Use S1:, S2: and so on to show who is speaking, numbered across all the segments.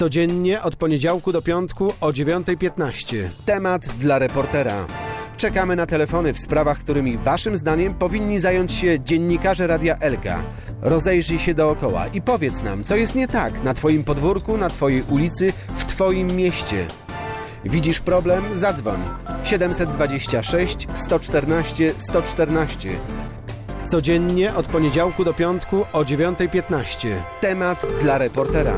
S1: Codziennie od poniedziałku do piątku o 9:15. Temat dla reportera. Czekamy na telefony w sprawach, którymi waszym zdaniem powinni zająć się dziennikarze Radia Elka. Rozejrzyj się dookoła i powiedz nam, co jest nie tak na twoim podwórku, na twojej ulicy, w twoim mieście. Widzisz problem? Zadzwoń. 726 114 114. Codziennie od poniedziałku do piątku o 9:15. Temat dla reportera.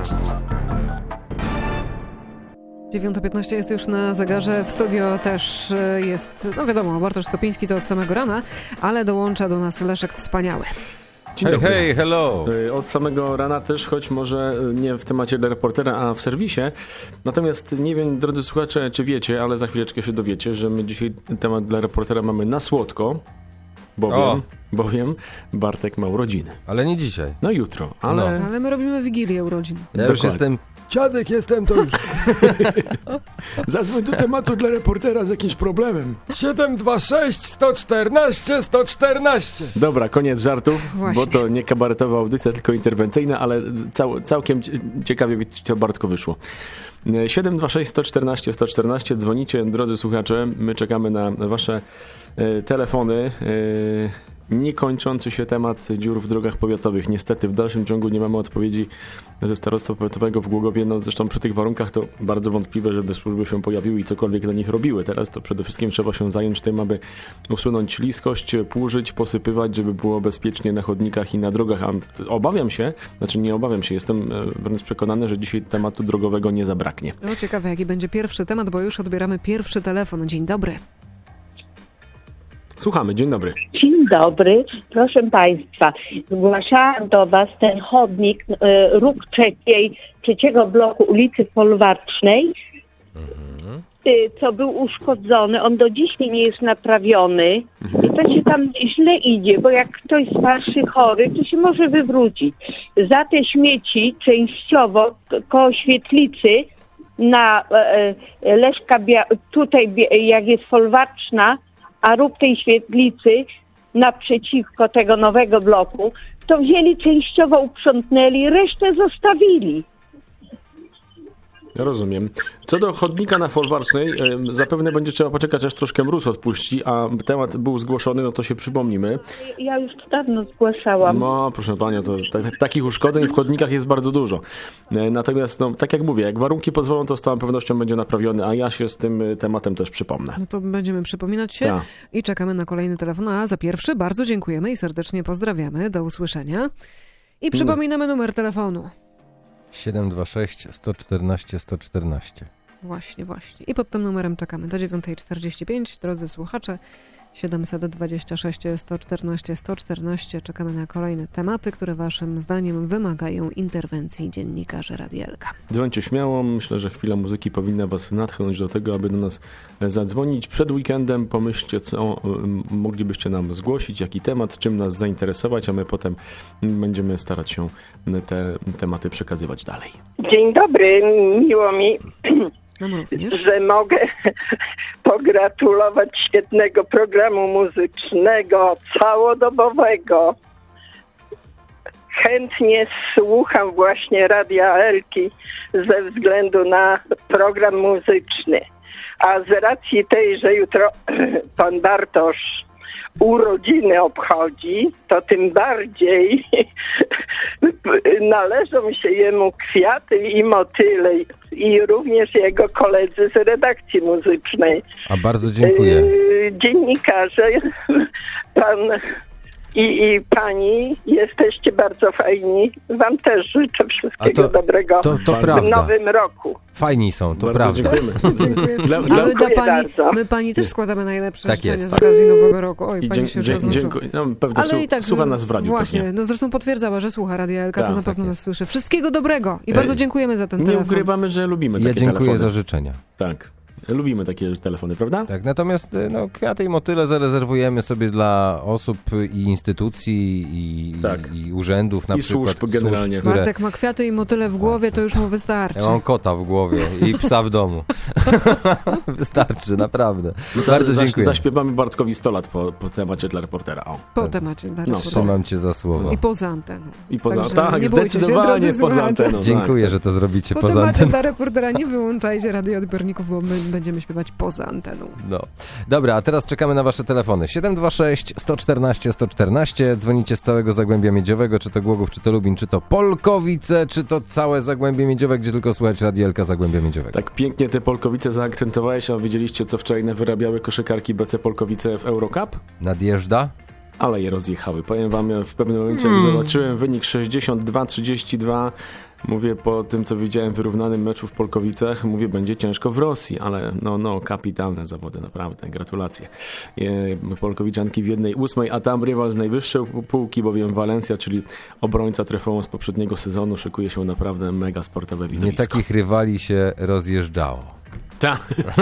S2: 9:15 jest już na zegarze. W studio też jest, no wiadomo, Bartosz Skopiński to od samego rana, ale dołącza do nas Leszek Wspaniały.
S3: Hej, hello!
S4: Od samego rana też, choć może nie w temacie dla reportera, a w serwisie. Natomiast nie wiem, drodzy słuchacze, czy wiecie, ale za chwileczkę się dowiecie, że my dzisiaj temat dla reportera mamy na słodko, bowiem Bartek ma urodziny.
S3: Ale nie dzisiaj.
S4: No jutro, ale...
S2: Ale my robimy Wigilię urodzin.
S3: Ja już jestem... Dziadek jestem, to już.
S4: Zadzwoń do tematu dla reportera z jakimś problemem.
S3: 726 114 114.
S4: Dobra, koniec żartów,
S2: Właśnie.
S4: bo to nie kabaretowa audycja, tylko interwencyjna, ale całkiem ciekawie to Bartko wyszło. 726 114 114, dzwonicie, drodzy słuchacze, my czekamy na wasze telefony. Niekończący się temat dziur w drogach powiatowych. Niestety w dalszym ciągu nie mamy odpowiedzi ze starostwa powiatowego w Głogowie. No zresztą przy tych warunkach to bardzo wątpliwe, żeby służby się pojawiły i cokolwiek dla nich robiły. Teraz to przede wszystkim trzeba się zająć tym, aby usunąć śliskość, płużyć, posypywać, żeby było bezpiecznie na chodnikach i na drogach. A obawiam się, jestem wręcz przekonany, że dzisiaj tematu drogowego nie zabraknie.
S2: No ciekawe, jaki będzie pierwszy temat, bo już odbieramy pierwszy telefon. Dzień dobry.
S4: Słuchamy, dzień dobry.
S5: Dzień dobry, proszę Państwa. Zgłaszałam do Was ten chodnik, róg trzeciego bloku ulicy Folwarcznej, co był uszkodzony. On do dziś nie jest naprawiony i to się tam źle idzie, bo jak ktoś starszy, chory, to się może wywrócić. Za te śmieci częściowo koło świetlicy na Leszka, tutaj jak jest Folwarczna, a róg tej świetlicy naprzeciwko tego nowego bloku, to wzięli częściowo, uprzątnęli, resztę zostawili.
S4: Ja rozumiem. Co do chodnika na Folwarcznej, zapewne będzie trzeba poczekać, aż troszkę mróz odpuści, a temat był zgłoszony, no to się przypomnimy.
S5: Ja już dawno zgłaszałam.
S4: No, proszę Panią, to takich uszkodzeń w chodnikach jest bardzo dużo. Natomiast, no, tak jak mówię, jak warunki pozwolą, to z całą pewnością będzie naprawiony, a ja się z tym tematem też przypomnę.
S2: No to będziemy przypominać się i czekamy na kolejny telefon. A za pierwszy bardzo dziękujemy i serdecznie pozdrawiamy. Do usłyszenia. I przypominamy numer telefonu.
S3: 726 114 114.
S2: Właśnie. I pod tym numerem czekamy do 9:45. Drodzy słuchacze, 726 114 114. Czekamy na kolejne tematy, które waszym zdaniem wymagają interwencji dziennikarzy Radia Elka.
S4: Dzwońcie śmiało. Myślę, że chwila muzyki powinna was natchnąć do tego, aby do nas zadzwonić. Przed weekendem pomyślcie, co moglibyście nam zgłosić, jaki temat, czym nas zainteresować, a my potem będziemy starać się te tematy przekazywać dalej.
S6: Dzień dobry, miło mi, że mogę pogratulować świetnego programu muzycznego, całodobowego. Chętnie słucham właśnie Radia Elki ze względu na program muzyczny. A z racji tej, że jutro pan Bartosz urodziny obchodzi, to tym bardziej należą się jemu kwiaty i motyle i również jego koledzy z redakcji muzycznej.
S3: A bardzo dziękuję.
S6: Dziennikarze, pan i pani, jesteście bardzo fajni. Wam też życzę wszystkiego dobrego w nowym roku.
S3: Fajni są, to
S4: bardzo
S3: prawda.
S2: Dziękujemy. My pani też składamy najlepsze
S3: tak
S2: życzenia
S3: jest.
S2: z okazji Nowego Roku. Oj, pani się już rozłączyła.
S4: Dziękuję. No, pewnie słucha nas w radiu.
S2: Właśnie,
S4: pewnie.
S2: no zresztą potwierdzała, że słucha Radia Elka, to na pewno nas
S3: jest.
S2: słyszy. Wszystkiego dobrego i bardzo dziękujemy za ten
S4: Nie
S2: telefon.
S4: ukrywamy, że lubimy
S3: Ja
S4: takie
S3: dziękuję
S4: telefony.
S3: za życzenia.
S4: Tak. Lubimy takie telefony, prawda?
S3: Tak, natomiast no, kwiaty i motyle zarezerwujemy sobie dla osób i instytucji i urzędów, na
S4: I
S3: przykład
S4: służb generalnie.
S3: które...
S2: Bartek ma kwiaty i motyle w głowie, to już mu wystarczy.
S3: Ja mam kota w głowie i psa w domu. Wystarczy, naprawdę. Bardzo dziękuję.
S4: Zaśpiewamy Bartkowi 100 lat po temacie dla reportera. O.
S2: Po temacie dla reportera.
S3: Trzymam cię za słowo.
S2: I poza anteną.
S4: I poza,
S2: Także
S4: tak,
S2: nie bójcie się,
S4: zdecydowanie
S2: drodzy
S4: poza
S2: słuchacze.
S4: anteną.
S3: Dziękuję, że to zrobicie
S2: Po
S3: poza
S2: temacie
S3: anteną.
S2: dla reportera nie wyłączajcie radioodbiorników, bo my będziemy śpiewać poza anteną.
S3: No. Dobra, a teraz czekamy na wasze telefony. 726 114 114. Dzwonicie z całego Zagłębia Miedziowego, czy to Głogów, czy to Lubin, czy to Polkowice, czy to całe Zagłębie Miedziowe, gdzie tylko słychać Radielka Zagłębia Miedziowego.
S4: Tak pięknie te Polkowice zaakcentowałeś, a wiedzieliście, co wczoraj wyrabiały koszykarki BC Polkowice w Eurocup?
S3: Nadjeżdża?
S4: Ale je rozjechały. Powiem wam, w pewnym momencie jak zobaczyłem wynik 62-32, mówię, po tym co widziałem w wyrównanym meczu w Polkowicach, mówię, będzie ciężko w Rosji, ale no kapitalne zawody, naprawdę, gratulacje. Polkowiczanki w 1/8, a tam rywal z najwyższej półki, bowiem Walencja, czyli obrońca Trefą z poprzedniego sezonu, szykuje się naprawdę mega sportowe widowisko.
S3: Nie takich rywali się rozjeżdżało.
S4: Tak.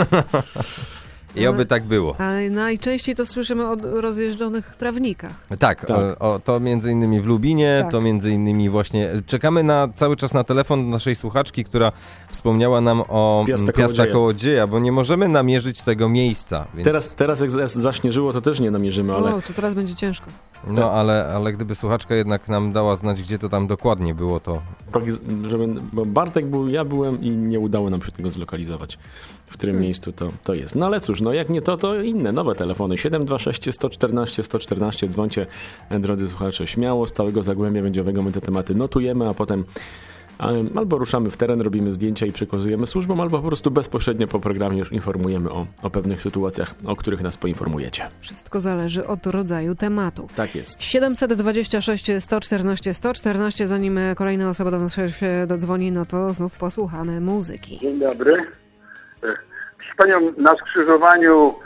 S3: I oby tak było.
S2: A najczęściej to słyszymy o rozjeżdżonych trawnikach.
S3: Tak,
S4: Tak.
S3: to między innymi w Lubinie,
S2: Tak.
S3: to między innymi właśnie... Czekamy cały czas na telefon naszej słuchaczki, która wspomniała nam o Piasta Kołodzieja, bo nie możemy namierzyć tego miejsca. Więc...
S4: Teraz jak zaśnieżyło, to też nie namierzymy, ale...
S2: O, to teraz będzie ciężko.
S3: No, ale gdyby słuchaczka jednak nam dała znać, gdzie to tam dokładnie było, to...
S4: Tak, bo Bartek był, ja byłem i nie udało nam się tego zlokalizować, w którym miejscu to jest. No ale cóż, no jak nie to inne, nowe telefony. 726 114 114, dzwońcie, drodzy słuchacze, śmiało, z całego Zagłębia Miedziowego my te tematy notujemy, a potem albo ruszamy w teren, robimy zdjęcia i przekazujemy służbom, albo po prostu bezpośrednio po programie już informujemy o pewnych sytuacjach, o których nas poinformujecie.
S2: Wszystko zależy od rodzaju tematu.
S4: Tak jest.
S2: 726 114 114, zanim kolejna osoba do nas się dodzwoni, no to znów posłuchamy muzyki.
S7: Dzień dobry. Proszę Panią, na skrzyżowaniu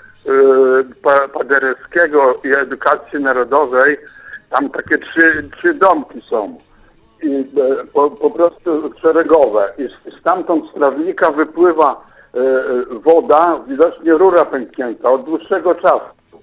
S7: Paderewskiego i Edukacji Narodowej tam takie trzy domki są. I po prostu szeregowe. I stamtąd z trawnika wypływa woda, widocznie rura pęknięta od dłuższego czasu.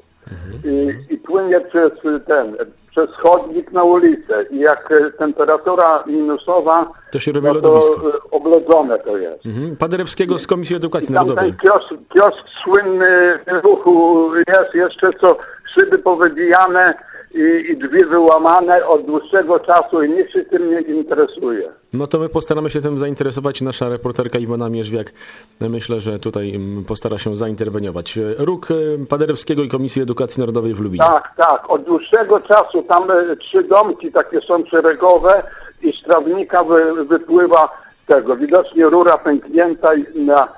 S7: I płynie przez chodnik na ulicę. I jak temperatura minusowa,
S4: To się robi
S7: no
S4: lodowisko.
S7: to oblodzone to jest.
S4: Paderewskiego z Komisji Edukacji
S7: Tam
S4: Narodowej.
S7: ten kiosk słynny w ruchu jest jeszcze, co szyby powybijane i drzwi wyłamane od dłuższego czasu i nikt się tym nie interesuje.
S4: No to my postaramy się tym zainteresować. Nasza reporterka Iwona Mierzwiak, myślę, że tutaj postara się zainterweniować. Róg Paderewskiego i Komisji Edukacji Narodowej w Lubinie.
S7: Tak. Od dłuższego czasu tam 3 domki takie są szeregowe i z trawnika wypływa tego. Widocznie rura pęknięta i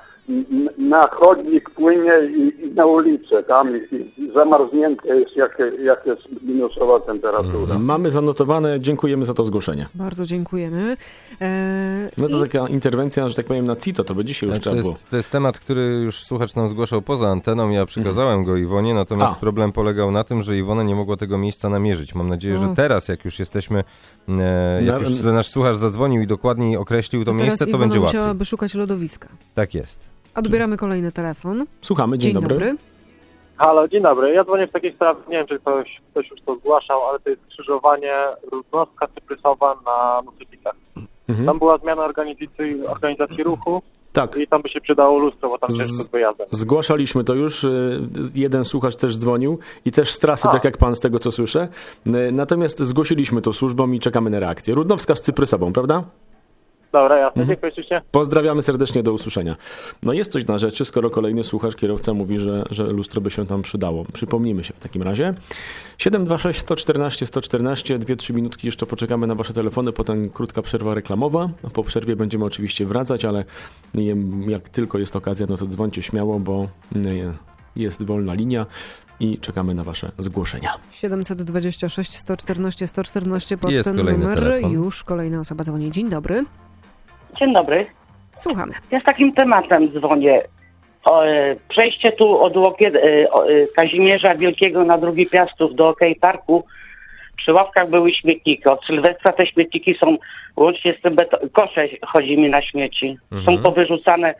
S7: na chodnik płynie i na ulicę tam i zamarznięte jest jak jest minusowa temperatura.
S4: Mamy zanotowane, dziękujemy za to zgłoszenie.
S2: Bardzo dziękujemy.
S4: No to taka interwencja, że tak powiem, na CITO, to by dzisiaj już trzeba było.
S3: To jest temat, który już słuchacz nam zgłaszał poza anteną, ja przekazałem go Iwonie, natomiast problem polegał na tym, że Iwona nie mogła tego miejsca namierzyć. Mam nadzieję, że teraz, jak już jesteśmy, jak już nasz słuchacz zadzwonił i dokładniej określił to miejsce, to
S2: Iwona
S3: będzie łatwiej.
S2: musiałaby szukać lodowiska.
S3: Tak jest.
S2: Odbieramy kolejny telefon.
S4: Słuchamy, dzień dobry.
S8: Halo, dzień dobry. Ja dzwonię w takiej sprawie, nie wiem, czy ktoś już to zgłaszał, ale to jest skrzyżowanie Rudnowska-Cyprysowa na Nusypicach. Tam była zmiana organizacji ruchu
S4: Tak.
S8: i tam by się przydało lustro, bo tam ciężko z wyjazdem.
S4: Zgłaszaliśmy to już, jeden słuchacz też dzwonił i też z trasy, tak jak pan, z tego co słyszę. Natomiast zgłosiliśmy to służbom i czekamy na reakcję. Rudnowska z Cyprysową, prawda?
S8: Dobra, jasne, dziękuję ślicznie.
S4: Pozdrawiamy serdecznie, do usłyszenia. No jest coś na rzeczy, skoro kolejny słuchacz, kierowca mówi, że lustro by się tam przydało. Przypomnijmy się w takim razie. 726 114 114, 2-3 minutki jeszcze poczekamy na wasze telefony, potem krótka przerwa reklamowa. Po przerwie będziemy oczywiście wracać, ale jak tylko jest okazja, no to dzwońcie śmiało, bo jest wolna linia i czekamy na wasze zgłoszenia.
S2: 726 114 114, pod
S3: Jest
S2: ten
S3: kolejny
S2: numer
S3: telefon.
S2: już kolejna osoba dzwoni. Dzień dobry.
S5: Dzień dobry.
S2: Słuchamy.
S5: Ja z takim tematem dzwonię. Przejście tu od Kazimierza Wielkiego na Drugi Piastów do OK Parku. Przy ławkach były śmietniki. Od Sylwestra te śmietniki są łącznie z tym kosze chodzi mi na śmieci. Są powyrzucane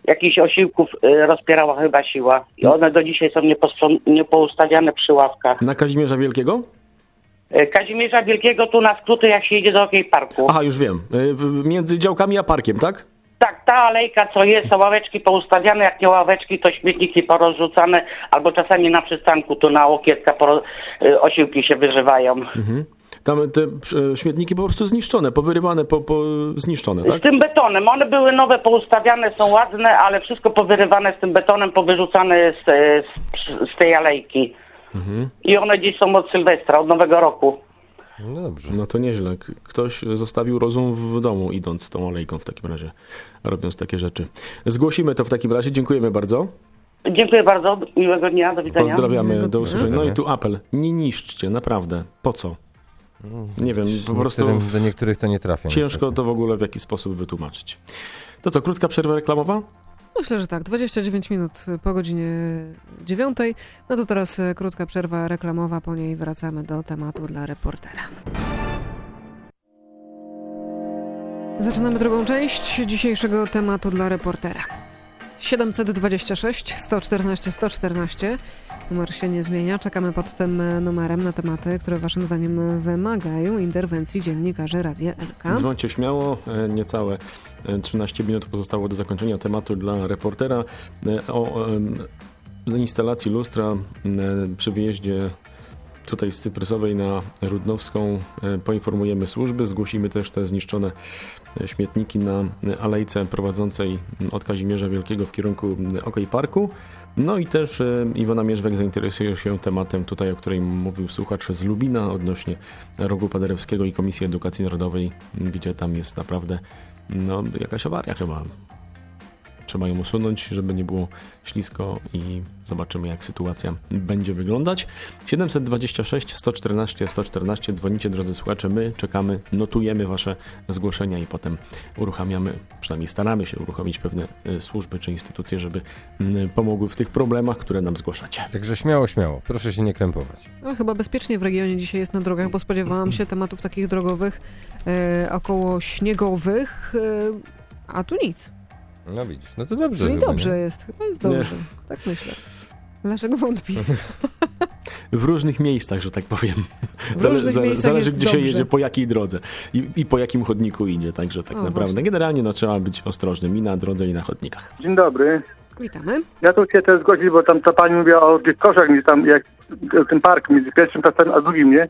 S9: jakichś osiłków rozpierała chyba siła. I one do dzisiaj są niepoustawiane przy ławkach.
S4: Na Kazimierza Wielkiego?
S9: Kazimierza Wielkiego tu na skróty, jak się idzie do Okej Parku.
S4: Aha, już wiem. Między działkami a parkiem, tak?
S9: Tak, ta alejka co jest, są ławeczki poustawiane, jak nie ławeczki, to śmietniki porozrzucane, albo czasami na przystanku tu na łokietka osiłki się wyżywają.
S4: Tam te śmietniki po prostu zniszczone, powyrywane, zniszczone, tak?
S9: Z tym betonem. One były nowe, poustawiane, są ładne, ale wszystko powyrywane z tym betonem, powyrzucane z tej alejki. I one dziś są od Sylwestra, od Nowego Roku.
S3: No dobrze.
S4: No to nieźle. Ktoś zostawił rozum w domu, idąc tą alejką w takim razie, robiąc takie rzeczy. Zgłosimy to w takim razie. Dziękujemy bardzo.
S9: Dziękuję bardzo. Miłego dnia. Do widzenia.
S4: Pozdrawiamy. Do usłyszenia. No i tu apel. Nie niszczcie, naprawdę. Po co? Nie wiem, po prostu
S3: do niektórych to nie trafia.
S4: ciężko
S3: niestety.
S4: to w ogóle w jakiś sposób wytłumaczyć. To co, krótka przerwa reklamowa?
S2: Myślę, że tak. 29 minut po godzinie 9. No to teraz krótka przerwa reklamowa, po niej wracamy do tematu dla reportera. Zaczynamy drugą część dzisiejszego tematu dla reportera. 726 114 114. Numer się nie zmienia. Czekamy pod tym numerem na tematy, które waszym zdaniem wymagają interwencji dziennikarzy Radia Elka.
S4: Dzwońcie śmiało. Niecałe 13 minut pozostało do zakończenia tematu dla reportera. O instalacji lustra przy wyjeździe tutaj z Cyprysowej na Rudnowską poinformujemy służby. Zgłosimy też te zniszczone śmietniki na alejce prowadzącej od Kazimierza Wielkiego w kierunku Okej Parku. No i też Iwona Mierzwek zainteresuje się tematem tutaj, o którym mówił słuchacz z Lubina odnośnie Rogu Paderewskiego i Komisji Edukacji Narodowej, gdzie tam jest naprawdę jakaś awaria chyba. Trzeba ją usunąć, żeby nie było ślisko i zobaczymy, jak sytuacja będzie wyglądać. 726 114 114. Dzwonicie, drodzy słuchacze. My czekamy, notujemy wasze zgłoszenia i potem uruchamiamy, przynajmniej staramy się uruchomić pewne służby czy instytucje, żeby pomogły w tych problemach, które nam zgłaszacie.
S3: Także śmiało, śmiało. Proszę się nie krępować.
S2: Ale chyba bezpiecznie w regionie dzisiaj jest na drogach, bo spodziewałam się tematów takich drogowych, około śniegowych, a tu nic.
S3: No widzisz, no to dobrze.
S2: Czyli
S3: chyba,
S2: dobrze
S3: nie?
S2: jest, chyba jest dobrze. Tak myślę. Dlaczego wątpi?
S4: W różnych miejscach, że tak powiem.
S2: Miejscach
S4: Zależy,
S2: jest
S4: gdzie się
S2: dobrze.
S4: jedzie, po jakiej drodze i po jakim chodniku idzie. Także tak naprawdę
S2: właśnie.
S4: generalnie trzeba być ostrożnym i na drodze, i na chodnikach.
S7: Dzień dobry.
S2: Witamy.
S7: Ja tu chcę też zgłosić, bo tam ta pani mówiła o tych koszach, gdzie tam jak ten park między pierwszym pasem a drugim, nie?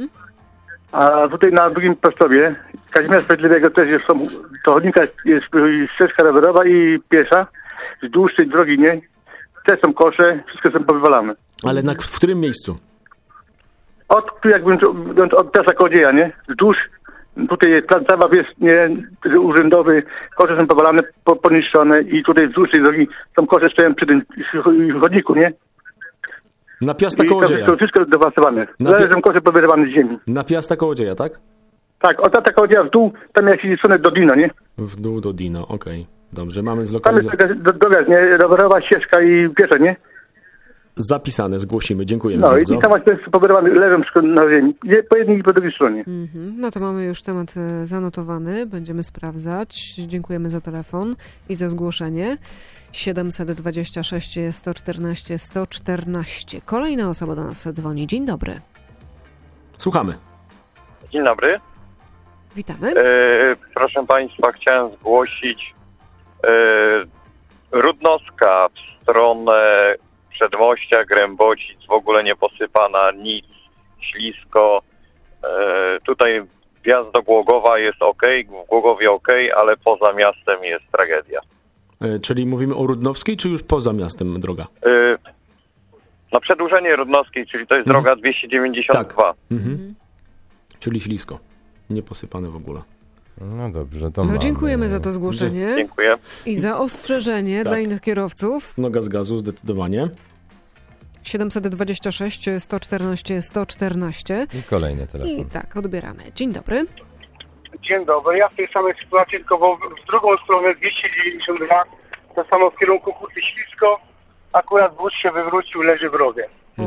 S7: A tutaj na drugim pastowie Kazimierza Sprawiedliwego też jest, to chodnika jest ścieżka rowerowa i piesza wzdłuż tej drogi, nie? Też są kosze, wszystko są powywalane.
S4: Ale w którym miejscu?
S7: Tu jakbym od Piasa Kołodzieja, nie? Wzdłuż, tutaj jest plac zabaw, jest nie, urzędowy, kosze są powalane, poniszczone i tutaj wzdłuż tej drogi są kosze stoją przy tym chodniku, nie?
S4: Na Piasta
S7: I to
S4: Kołodzieja.
S7: wszystko dewastowane. Leżą kosze powyrywane z ziemi.
S4: Na Piasta Kołodzieja, tak?
S7: Tak, od Piasta Kołodzieja w dół, tam jak się stronę do Dino, nie?
S4: W dół do Dino, okej. Dobrze, mamy
S7: Tam jest
S4: zlokalizowane.
S7: taka droga, nie? Rowerowa ścieżka i piesza, nie?
S4: Zapisane, zgłosimy. Dziękujemy
S7: No i
S4: bardzo.
S7: tam właśnie powyrywane, leżą na ziemi. Po jednej i po drugiej stronie.
S2: No to mamy już temat zanotowany, będziemy sprawdzać. Dziękujemy za telefon i za zgłoszenie. 726 114 114. Kolejna osoba do nas dzwoni. Dzień dobry.
S4: Słuchamy.
S10: Dzień dobry.
S2: Witamy.
S10: Proszę Państwa, chciałem zgłosić Rudnowska w stronę Przedmościa, Grębocic, w ogóle nie posypana, nic, ślisko. Tutaj wjazd do Głogowa jest ok, w Głogowie ok, ale poza miastem jest tragedia.
S4: Czyli mówimy o Rudnowskiej, czy już poza miastem droga?
S10: Na przedłużenie Rudnowskiej, czyli to jest droga 292.
S4: Tak. Czyli ślisko. Nieposypane w ogóle.
S3: No dobrze, to mamy.
S2: Dziękujemy za to zgłoszenie
S10: Dziękuję.
S2: i za ostrzeżenie dla innych kierowców.
S4: Noga z gazu, zdecydowanie.
S2: 726 114 114.
S3: I kolejny telefon.
S2: I tak, odbieramy. Dzień dobry.
S11: Dzień dobry. Ja w tej samej sytuacji, tylko w drugą stronę 292, to samo w kierunku Huty Ślisko, akurat wóz się wywrócił, leży w rowie.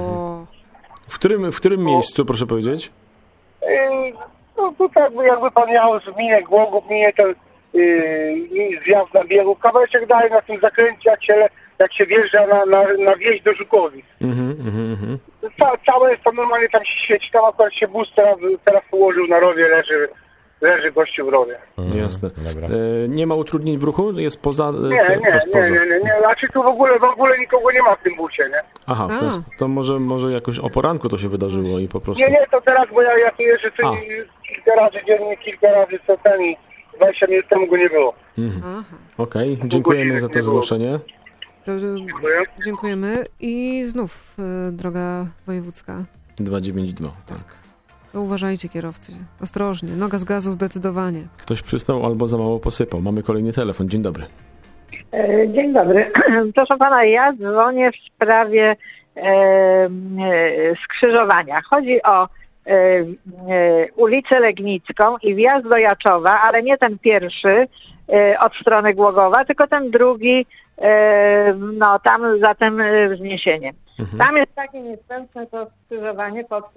S4: W którym miejscu, proszę powiedzieć?
S11: No tutaj jakby pan jechał z minie Głogów, minie ten i zjazd na biegu, kawałeczek dalej na tym zakręcie, jak się wjeżdża na wieś do Żukowic. Całe jest to normalnie, tam się świeci, tam akurat się bus teraz położył na rowie, leży gościu w rowie.
S4: Jasne. Nie ma utrudnień w ruchu? Jest poza...
S11: Nie. Znaczy tu w ogóle nikogo nie ma w tym busie, nie?
S4: Aha, to może jakoś o poranku to się wydarzyło i po prostu...
S11: Nie, to teraz, bo ja tu jeżdżę kilka razy dziennie, kilka razy co ten i 20 minut temu go nie było.
S4: Okej, dziękujemy za to zgłoszenie.
S11: Dziękuję.
S2: Dziękujemy. I znów droga wojewódzka.
S4: 292, tak.
S2: To uważajcie, kierowcy. Ostrożnie. Noga z gazu zdecydowanie.
S4: Ktoś przysnął albo za mało posypał. Mamy kolejny telefon. Dzień dobry.
S12: Dzień dobry. Proszę pana, ja dzwonię w sprawie skrzyżowania. Chodzi o ulicę Legnicką i wjazd do Jaczowa, ale nie ten pierwszy od strony Głogowa, tylko ten drugi, tam za tym wzniesieniem. Tam jest takie nieszczęsne to skrzyżowanie pod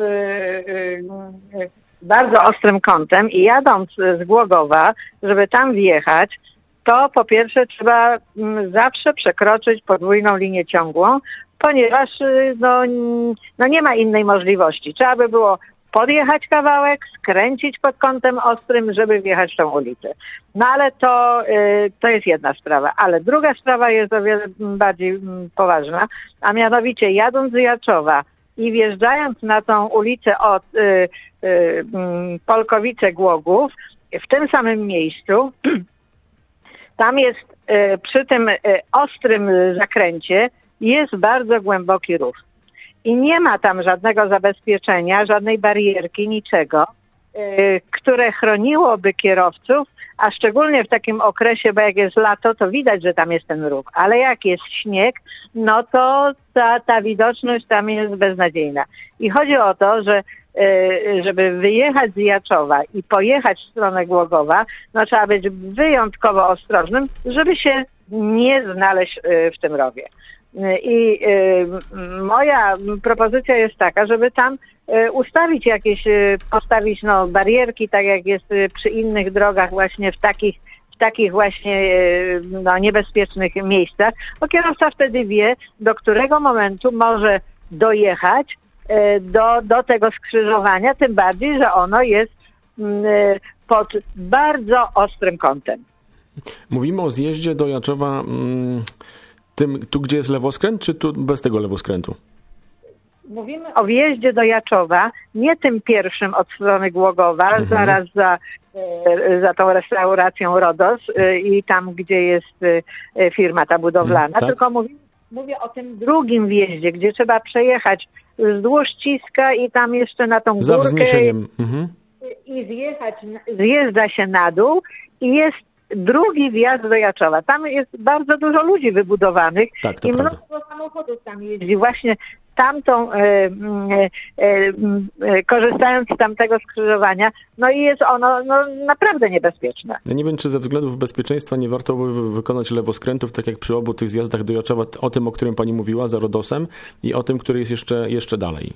S12: bardzo ostrym kątem i jadąc z Głogowa, żeby tam wjechać, to po pierwsze trzeba zawsze przekroczyć podwójną linię ciągłą, ponieważ nie ma innej możliwości. Trzeba by było podjechać kawałek, skręcić pod kątem ostrym, żeby wjechać w tą ulicę. No ale to jest jedna sprawa. Ale druga sprawa jest o wiele bardziej poważna, a mianowicie jadąc z Jaczowa i wjeżdżając na tą ulicę od Polkowice-Głogów, w tym samym miejscu, tam jest przy tym ostrym zakręcie jest bardzo głęboki rów. I nie ma tam żadnego zabezpieczenia, żadnej barierki, niczego, które chroniłoby kierowców, a szczególnie w takim okresie, bo jak jest lato, to widać, że tam jest ten rów. Ale jak jest śnieg, no to ta widoczność tam jest beznadziejna. I chodzi o to, że żeby wyjechać z Jaczowa i pojechać w stronę Głogowa, no trzeba być wyjątkowo ostrożnym, żeby się nie znaleźć w tym rowie. I moja propozycja jest taka, żeby tam ustawić postawić barierki, tak jak jest przy innych drogach właśnie w takich właśnie niebezpiecznych miejscach, bo kierowca wtedy wie, do którego momentu może dojechać do tego skrzyżowania, tym bardziej, że ono jest pod bardzo ostrym kątem.
S4: Mówimy o zjeździe do Jaczowa tu, gdzie jest lewoskręt, czy tu bez tego lewoskrętu?
S12: Mówimy o wjeździe do Jaczowa, nie tym pierwszym od strony Głogowa, zaraz za tą restauracją Rodos i tam, gdzie jest firma ta budowlana, tak? Tylko mówię o tym drugim wjeździe, gdzie trzeba przejechać wzdłuż Ciska i tam jeszcze na tą
S4: za
S12: górkę
S4: wzniesieniem.
S12: I zjeżdża się na dół i jest drugi wjazd do Jaczowa. Tam jest bardzo dużo ludzi wybudowanych i mnóstwo samochodów tam jeździ. Właśnie tamtą, korzystając z tamtego skrzyżowania, no i jest ono naprawdę niebezpieczne.
S4: Ja nie wiem, czy ze względów bezpieczeństwa nie warto by wykonać lewoskrętów, tak jak przy obu tych zjazdach do Jaczowa, o tym, o którym pani mówiła, za Rodosem i o tym, który jest jeszcze dalej.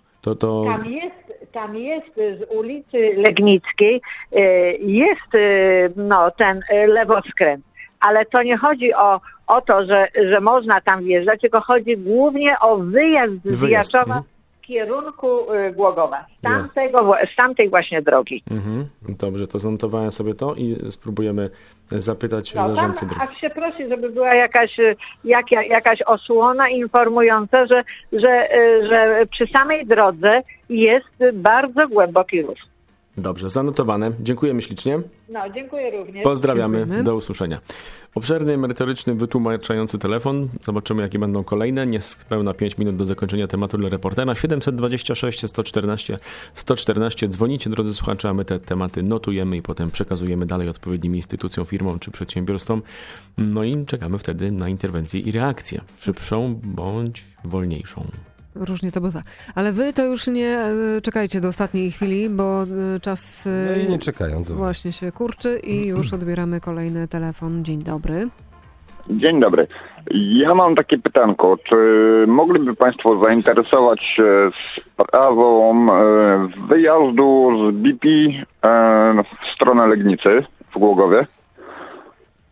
S12: Tam jest z ulicy Legnickiej jest ten lewoskręt, ale to nie chodzi o to, że można tam wjeżdżać, tylko chodzi głównie o wyjazd z Jaczowa w kierunku Głogowa, z tamtej właśnie drogi.
S4: Dobrze, to zanotowałem sobie to i spróbujemy zapytać zarządcy drogi.
S12: Aż się prosi, żeby była jakaś osłona informująca, że przy samej drodze jest bardzo głęboki rów.
S4: Dobrze, zanotowane. Dziękujemy ślicznie.
S12: Dziękuję również.
S4: Pozdrawiamy.
S2: Dziękujemy.
S4: Do usłyszenia. Obszerny, merytoryczny, wytłumaczający telefon. Zobaczymy, jakie będą kolejne. Niespełna 5 minut do zakończenia tematu dla reportera. 726 114 114. Dzwonicie, drodzy słuchacze, a my te tematy notujemy i potem przekazujemy dalej odpowiednim instytucjom, firmom czy przedsiębiorstwom. No i czekamy wtedy na interwencję i reakcję. Szybszą bądź wolniejszą.
S2: Różnie to bywa. Ale wy to już nie czekajcie do ostatniej chwili, bo czas
S3: No i nie czekają. To
S2: właśnie się kurczy i już odbieramy kolejny telefon. Dzień dobry.
S13: Dzień dobry. Ja mam takie pytanko. Czy mogliby Państwo zainteresować się sprawą wyjazdu z BP w stronę Legnicy w Głogowie?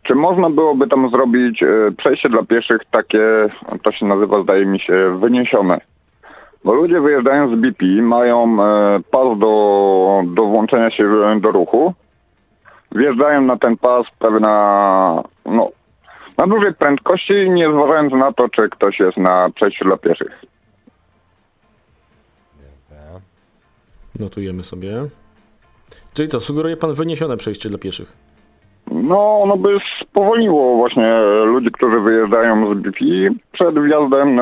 S13: czy można byłoby tam zrobić przejście dla pieszych takie, to się nazywa, zdaje mi się, wyniesione. Bo ludzie wyjeżdżają z BP, mają pas do włączenia się do ruchu, wjeżdżają na ten pas na dużej prędkości, nie zważając na to, czy ktoś jest na przejściu dla pieszych.
S4: Notujemy sobie. Czyli co, sugeruje pan wyniesione przejście dla pieszych?
S13: No, ono by spowolniło właśnie ludzi, którzy wyjeżdżają z BP przed wjazdem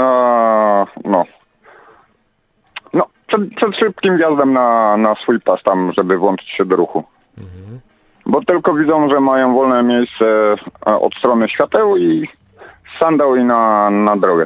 S13: przed szybkim wjazdem na swój pas tam, żeby włączyć się do ruchu. Bo tylko widzą, że mają wolne miejsce od strony świateł i sandał i na drogę.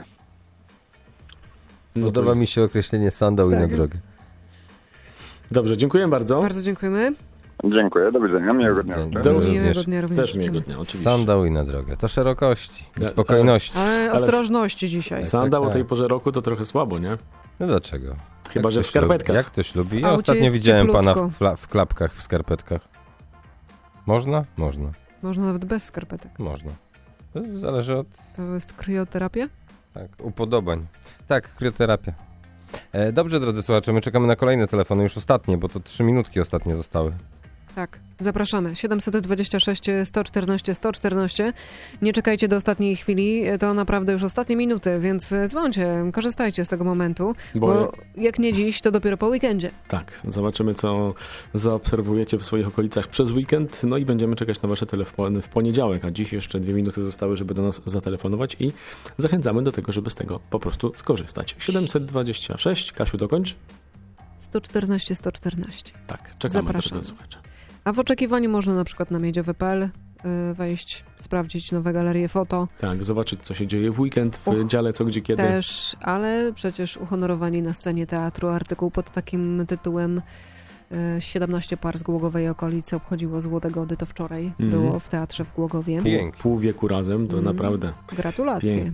S3: Podoba mi się określenie sandał i na drogę.
S4: Dobrze, dziękuję bardzo.
S2: Bardzo dziękujemy.
S13: Dziękuję, do widzenia, miłego dnia.
S2: Miłego dnia również.
S4: Też miłego dnia, oczywiście.
S3: Sandał i na drogę. To szerokości, spokojności.
S2: Ale ostrożności dzisiaj.
S4: Sandał o tej porze roku to trochę słabo, nie?
S3: No dlaczego?
S4: Chyba, że w skarpetkach.
S3: Jak ktoś lubi? Ja ostatnio widziałem pana w klapkach, w skarpetkach. Można? Można.
S2: Można nawet bez skarpetek.
S3: Można. To zależy od...
S2: To jest krioterapia?
S3: Tak, upodobań. Tak, krioterapia. Dobrze, drodzy słuchacze, my czekamy na kolejne telefony, już ostatnie, bo to 3 minutki ostatnie zostały.
S2: Tak, zapraszamy. 726 114 114. Nie czekajcie do ostatniej chwili, to naprawdę już ostatnie minuty, więc dzwońcie, korzystajcie z tego momentu, bo jak nie dziś, to dopiero po weekendzie.
S4: Tak, zobaczymy, co zaobserwujecie w swoich okolicach przez weekend, no i będziemy czekać na wasze telefony w poniedziałek, a dziś jeszcze 2 minuty zostały, żeby do nas zatelefonować i zachęcamy do tego, żeby z tego po prostu skorzystać. 726, Kasiu, dokończ.
S2: 114 114.
S4: Tak, czekamy na słuchacze.
S2: A w oczekiwaniu można na przykład na miedziowy.pl wejść, sprawdzić nowe galerie foto.
S4: Tak, zobaczyć, co się dzieje w weekend w dziale Co, Gdzie, Kiedy.
S2: Też, ale przecież uhonorowani na scenie teatru artykuł pod takim tytułem 17 par z Głogowej okolicy obchodziło Złote Gody, to wczoraj było w teatrze w Głogowie.
S4: Pół wieku razem, to naprawdę
S2: gratulacje.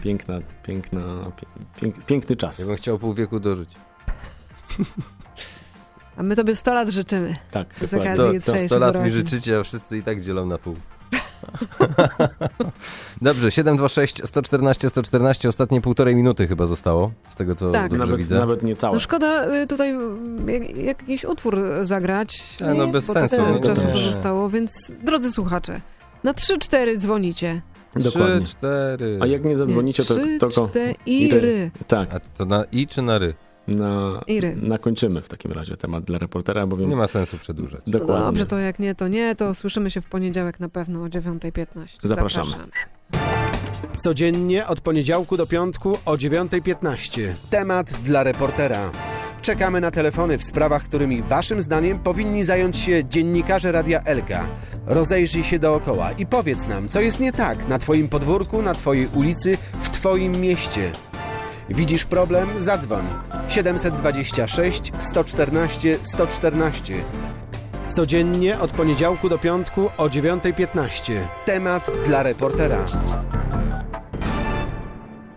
S4: Piękny czas.
S3: Ja bym chciał pół wieku dożyć.
S2: A my tobie 100 lat życzymy.
S4: Tak,
S2: z okazji
S3: 100 lat mi życzycie, a wszyscy i tak dzielą na pół. Dobrze, 726 114 114, ostatnie 1,5 minuty chyba zostało, z tego co dobrze widzę.
S4: Nawet nie całe.
S2: No szkoda tutaj jakiś utwór zagrać.
S3: No bez sensu.
S2: Czasu pozostało, więc drodzy słuchacze, na 3-4 dzwonicie.
S4: Dokładnie.
S3: 3-4.
S4: A jak nie zadzwonicie, to
S2: 3-4.
S4: Tak.
S3: A to na i czy na ry?
S4: Nakończymy w takim razie temat dla reportera, bowiem...
S3: Nie ma sensu przedłużać.
S4: Dokładnie.
S2: Dobrze, to jak nie, to nie, to słyszymy się w poniedziałek na pewno o 9:15.
S4: Zapraszamy.
S1: Codziennie od poniedziałku do piątku o 9:15. Temat dla reportera. Czekamy na telefony w sprawach, którymi waszym zdaniem powinni zająć się dziennikarze Radia Elka. Rozejrzyj się dookoła i powiedz nam, co jest nie tak na twoim podwórku, na twojej ulicy, w twoim mieście. Widzisz problem? Zadzwoń. 726 114 114. Codziennie od poniedziałku do piątku o 9:15. Temat dla reportera.